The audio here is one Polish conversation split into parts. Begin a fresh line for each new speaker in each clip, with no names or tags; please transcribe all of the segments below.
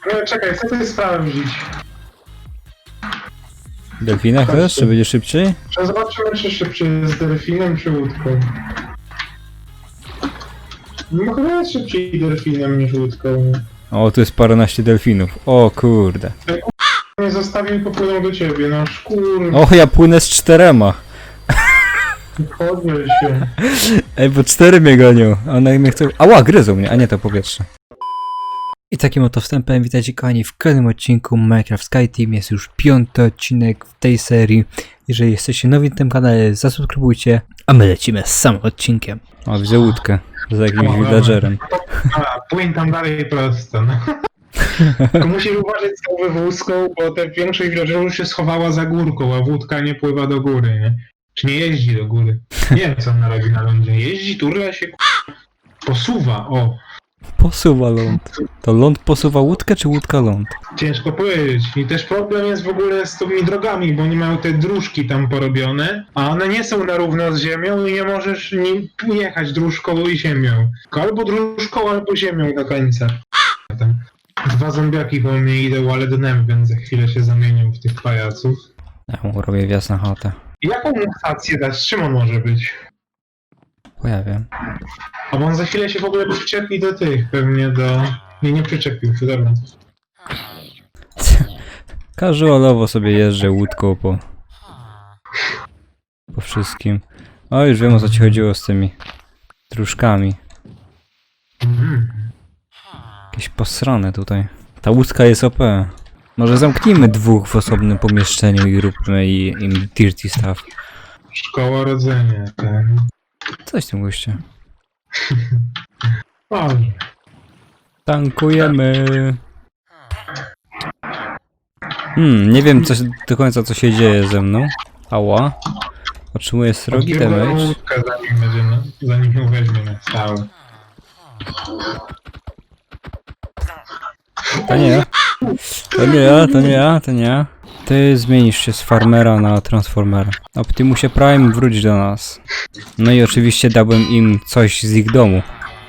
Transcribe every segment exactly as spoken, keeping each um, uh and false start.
No czekaj, chcę coś sprawdzić.
Delfina chcesz, czy będzie szybciej?
Czy zobaczymy, czy szybciej z delfinem, czy łódką. No chyba jest szybciej delfinem niż łódką.
O, tu jest paręnaście delfinów. O kurde.
Nie zostawił i popłynął do ciebie, no szkur.
O, ja płynę z czterema.
Podnieś się.
Ej, bo cztery mnie gonią. One mnie chcą... Ała, gryzą mnie, a nie to powietrze. I takim oto wstępem witajcie kochani w kolejnym odcinku Minecraft Sky Team. Jest już piąty odcinek w tej serii. Jeżeli jesteście nowi na tym kanale, zasubskrybujcie, a my lecimy z samym odcinkiem. O, widzę łódkę za jakimś villagerem.
A, płyń tam dalej prosto, no. Tylko musisz uważać z tą wywózką, bo te większość villagerów się schowała za górką, a wódka nie pływa do góry, nie? Czy nie jeździ do góry. Nie wiem, co on robi na lądzie. Jeździ, turla się, k***a. Posuwa, o.
Posuwa ląd. To ląd posuwa łódkę, czy łódka ląd?
Ciężko powiedzieć. I też problem jest w ogóle z tymi drogami, bo oni mają te dróżki tam porobione, a one nie są na równo z ziemią i nie możesz nie jechać dróżką i ziemią. Tylko albo dróżką, albo ziemią do końca. Tam dwa zombiaki po mnie idą, ale dnem, więc za chwilę się zamienią w tych pajaców.
Ja mu robię wjazd na chatę.
I jaką mu stację dać? Czym on może być?
Pojawię.
A bo on za chwilę się w ogóle przyczepi do tych, pewnie do... Nie, nie przyczepił się, dobra.
Casualowo sobie jeżdżę łódką po... po wszystkim. O, już wiem, o co ci chodziło z tymi dróżkami.
Mhm.
Jakieś posrane tutaj. Ta łódka jest O P. Może zamknijmy dwóch w osobnym pomieszczeniu i róbmy i- im dirty stuff.
Szkoła rodzenia, ten...
Coś w tym goście.
Dobrze.
Tankujemy. Hmm, nie wiem co, do końca co się dzieje ze mną. Ała. Otrzymuję srogi damage.
Łódkę, zanim będzie, no, zanim ją weźmie na stałe.
To nie ja. To nie ja, to nie ja, to nie ja. Ty zmienisz się z farmera na transformera. Optimusie Prime, wróć do nas. No i oczywiście dałbym im coś z ich domu.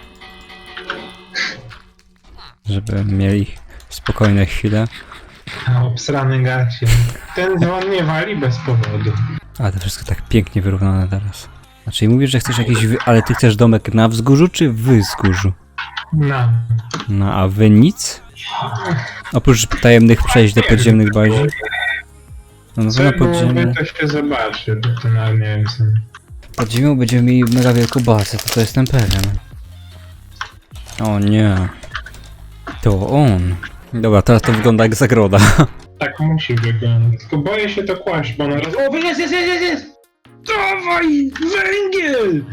Żeby mieli spokojne chwile.
A, obsrany gacie. Ten dzwon nie wali bez powodu.
A to wszystko tak pięknie wyrównane teraz. Znaczy mówisz, że chcesz jakiś wy... Ale ty chcesz domek na wzgórzu czy w wzgórzu?
No.
No a wy nic? Oprócz tajemnych przejść do podziemnych bazi? No, no to
Co
na
byłoby,
podziemne.
to się zobaczy. To nawet nie wiem co.
Pod ziemią będziemy mieli mega wielką bazę, to to jestem pewien. O nie. To on. Dobra, teraz to wygląda jak zagroda.
Tak musi wyglądać. Tylko boję się to kłaść, bo ona roz... O, jest, jest, jest, jest, jest! Dawaj! Węgiel!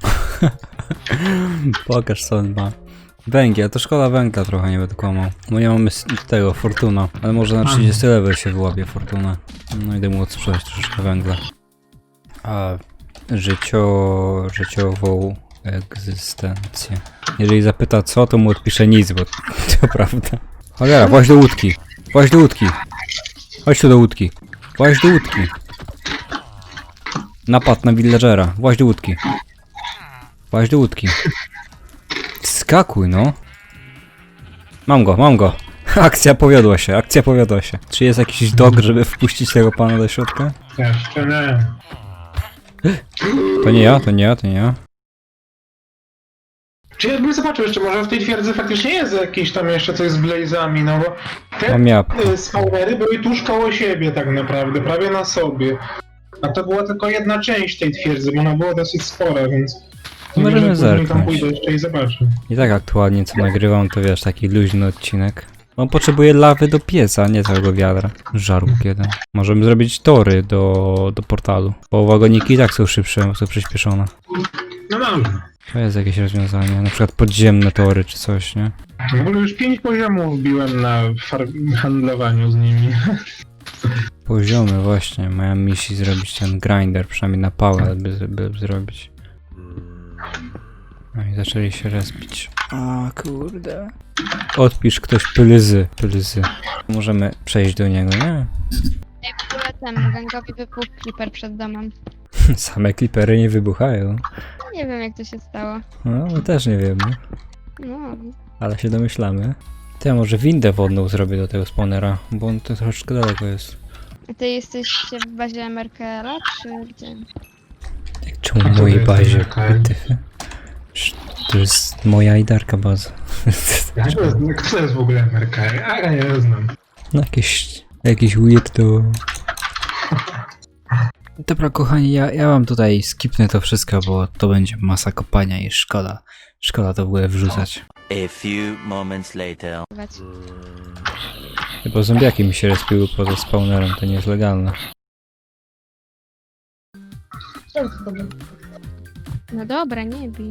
Pokaż co on ma. Węgiel, to szkoda węgla trochę, nie będę kłamał. Bo nie mamy s- tego, Fortuna. Ale może na trzydziesty level się wyłapie Fortuna. No idę mu odsprzedać troszeczkę węgla. A życio... życiową egzystencję. Jeżeli zapyta co, to mu odpiszę nic, bo to prawda. Cholera, właź do łódki. Właź do łódki. Chodź tu do łódki. Właź do łódki. Napad na villagera. Właź do łódki. Właź do łódki. Skakuj, no. Mam go, mam go. Akcja powiodła się, akcja powiodła się. Czy jest jakiś dog, żeby wpuścić tego pana do środka?
Jeszcze nie.
To nie ja, to nie ja, to nie ja.
Czy ja bym zobaczył jeszcze, może w tej twierdzy faktycznie jest jakieś tam jeszcze coś z blazami, no bo te
Mam jabłko.
y, spawnery były tuż koło siebie tak naprawdę, prawie na sobie. A to była tylko jedna część tej twierdzy, bo ona była dosyć spora, więc...
Możemy
Może później tam
zerknąć.
pójdę jeszcze i zobaczę.
I tak aktualnie co nagrywam, to wiesz, taki luźny odcinek. On potrzebuje lawy do pieca, a nie całego wiadra. Żarłok jeden. Możemy zrobić tory do, do portalu. Bo wagoniki i tak są szybsze, są przyspieszone.
No dobrze.
To jest jakieś rozwiązanie, na przykład podziemne tory czy coś, nie?
W ogóle już pięć poziomów wbiłem na far- handlowaniu z nimi.
Poziomy właśnie, miałem misji zrobić ten grinder, przynajmniej na pałę by, by zrobić. No i zaczęli się respić. O kurde. Odpisz ktoś plyzy, plyzy. Możemy przejść do niego, nie?
Ej, w ogóle temu gangowi wybuchł creeper przed domem.
Same klipery nie wybuchają.
Nie wiem jak to się stało.
No, my też nie wiemy,
No,
ale się domyślamy. To ja może windę wodną zrobię do tego spawnera, bo on to troszeczkę daleko jest.
A ty jesteś w bazie M R K L-a, czy gdzie?
Jak czemu
A
w
to
mojej
jest
bazie?
okej.
Tyfy? Sz- To jest moja idarka baza.
Ja to jest, kto to jest w ogóle M R K? A ja nie znam.
No jakieś, jakieś weirdo. Dobra kochani, ja, ja wam tutaj skipnę to wszystko, bo to będzie masa kopania i szkoda. Szkoda to w ogóle wrzucać.
A few moments later.
Bo zombiaki mi się respiły poza spawnerem, to nie jest legalne.
No dobra, nie bij.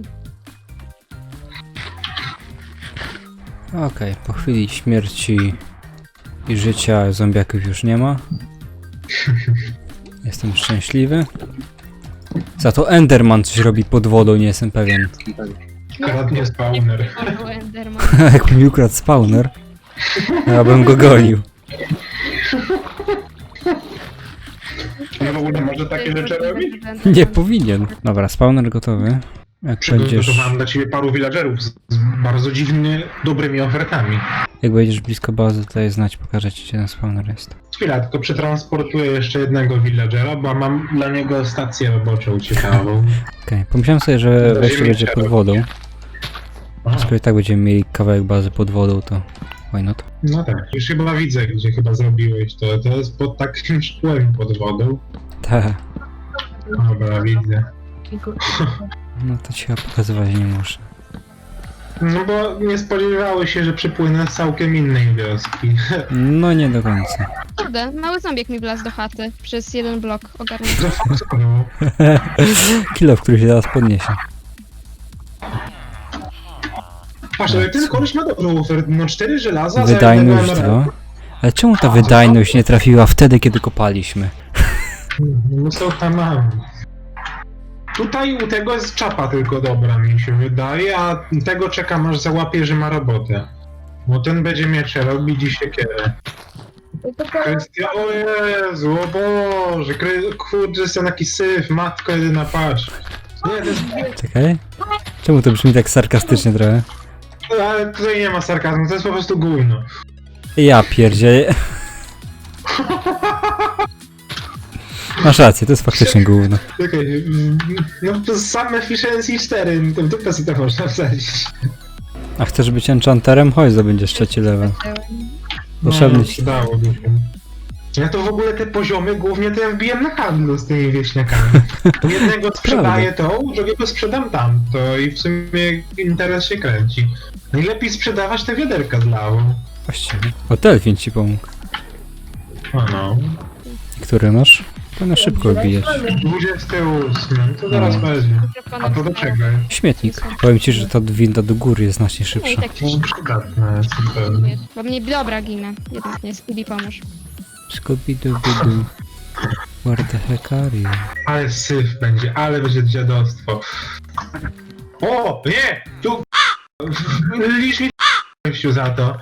Okej, po chwili śmierci i życia zombiaków już nie ma. Jestem szczęśliwy. Za to Enderman coś robi pod wodą, nie jestem pewien.
Kradnie spawner.
Albo Enderman.
Jak mi ukradł spawner, ja bym go gonił.
On w ogóle może takie rzeczy robić?
Nie powinien. Dobra, spawner gotowy. Jak będziesz,
Przygotowałem dla ciebie paru villagerów z, z bardzo dziwnie dobrymi ofertami.
jak będziesz blisko bazy, to je znać, pokażę ci, gdzie ten spawner jest.
Chwila, tylko przetransportuję jeszcze jednego villagera, bo mam dla niego stację roboczą ciekawą.
Okej, pomyślałem sobie, że
Do
wejście
ziemi
będzie pod
trzeba.
wodą.
A,
Skoro i tak będziemy mieli kawałek bazy pod wodą, to why not?
no tak, już chyba widzę, gdzie chyba zrobiłeś to. To jest pod takim szkłem pod wodą.
Tak.
Dobra, widzę.
No to ci chyba pokazywać nie muszę.
No bo nie spodziewały się, że przypłynę z całkiem innej wioski.
No nie do końca.
Kurde, mały zombiek mi wlazł do chaty przez jeden blok ogarnięty.
No,
Kilo, który się teraz podniesie.
patrz, ale ten koleś ma dobrą ofertę. No cztery żelaza za
Wydajność
jednego
dwa.
emeralda.
Ale czemu ta wydajność nie trafiła wtedy, kiedy kopaliśmy?
No co tam mam? Tutaj u tego jest czapa tylko dobra, mi się wydaje, a tego czekam aż załapie, że ma robotę. Bo ten będzie miecze robić i siekierę. Kwestia, o Jezu, o Boże, kry... kurde, jestem taki syf, matko jedyna, patrz. Nie, to jest...
Czekaj. Czemu to brzmi tak sarkastycznie trochę?
Ale tutaj nie ma sarkazmu, to jest po prostu gówno.
Ja pierdzie. Masz rację, to jest faktycznie gówno.
Czekaj, mm, no to jest sam efficiency cztery, to w dupę sobie to można wsadzić.
A chcesz być enchanterem? Chodź, zdobędziesz trzeci level. Potrzebny
No,
ci.
przydałoby się. Ja to w ogóle te poziomy głównie to ja wbijam na handlu z tymi wieśniakami. U jednego sprzedaję to, u drugiego sprzedam tamto i w sumie interes się kręci. Najlepiej sprzedawać te wiaderka z lawą.
Właściwie. O, Delfin ci pomógł.
O no.
Który masz? To na szybko wbijać.
dwudziesty ósmy, to zaraz
No.
będzie. A to do czego?
Śmietnik. Powiem ci, że ta winda do góry jest znacznie
No i
szybsza.
tak
No, przydatne jest na pewno.
Bo mnie dobra ginę. Jednak nie, Speedy pomóż.
Scooby-Dooby-Doo. Where the heck are you?
Ale syf będzie, ale będzie dziadostwo. O, nie! Tu... Licz mi gościu za to.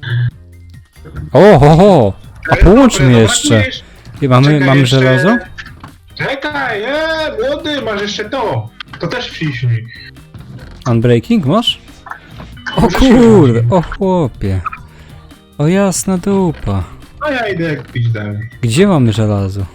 O, ho, ho! A połączmy
Dobra, no,
jeszcze.
brakujesz-
I mamy,
Czekaj,
mamy
jeszcze-
żelazo?
Czekaj, e, młody, masz jeszcze to. To też wciśnij.
Unbreaking masz? O
Może się
kurde,
robi.
o chłopie. O jasna dupa.
A ja idę jak pić dalej.
Gdzie mamy żelazo?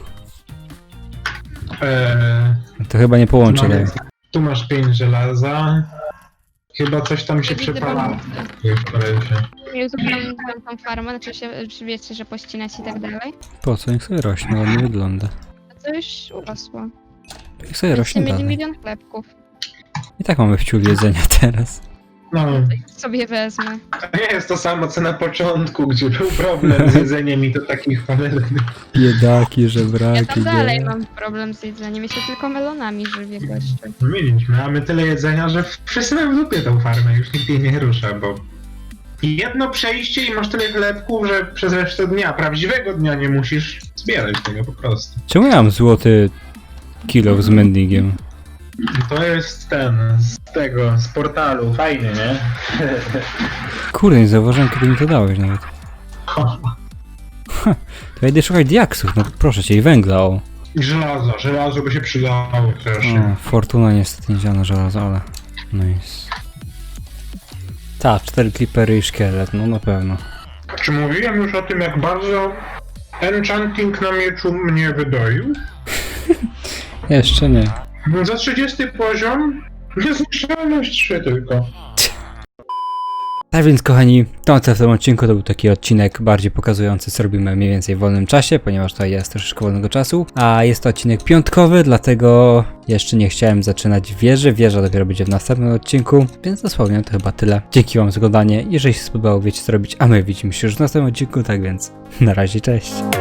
Eee,
To chyba nie połączę
mamy-
tego.
tu masz pięć żelaza. Chyba coś tam się
Ja widzę
przepala.
balonkę.
w kolesie.
Nie uzupełniłam tą farmę, znaczy się, czy wiecie, że pościnać i tak dalej.
Po co? Niech sobie rośnie, ładnie wygląda.
A to już urosło.
Niech sobie
Będziecie
rośnie
mieli
dalej.
milion chlebków.
I tak mamy wciół jedzenia teraz.
No,
To ich sobie wezmę.
to nie jest to samo co na początku, gdzie był problem z jedzeniem i to takich panelów.
Biedaki,
Ja
żebraki,
tam dalej
nie?
mam problem z jedzeniem. Ja się tylko melonami żywię gościu.
Mieliśmy, mamy tyle jedzenia, że wszyscy mają w dupie tą farmę, już nikt jej nie rusza, bo... Jedno przejście i masz tyle chlebków, że przez resztę dnia, prawdziwego dnia nie musisz zbierać tego po prostu.
Czemu ja mam złoty kilo z mendingiem?
To jest ten, z tego, z portalu, fajnie, nie?
Kurde, nie zauważyłem, kiedy mi to dałeś nawet. To ja idę szukać diaksów, no proszę cię, i węgla, o.
I żelazo, żelazo by się przydało też.
o. Fortuna niestety nie działa na żelazo, ale... Nice. Tak, cztery creepery i szkielet, no na pewno.
Czy mówiłem już o tym, jak bardzo enchanting na mieczu mnie wydoił?
Jeszcze nie.
Za trzydziesty poziom niezniszczalność trzy tylko.
Tak więc kochani, to tyle w tym odcinku, to był taki odcinek bardziej pokazujący, co robimy mniej więcej w wolnym czasie, ponieważ tutaj jest troszeczkę wolnego czasu, a jest to odcinek piątkowy, dlatego jeszcze nie chciałem zaczynać wieży, wieża dopiero będzie w następnym odcinku, więc dosłownie to chyba tyle. Dzięki wam za oglądanie, jeżeli się spodobało, wiecie co robić, a my widzimy się już w następnym odcinku, tak więc na razie, cześć.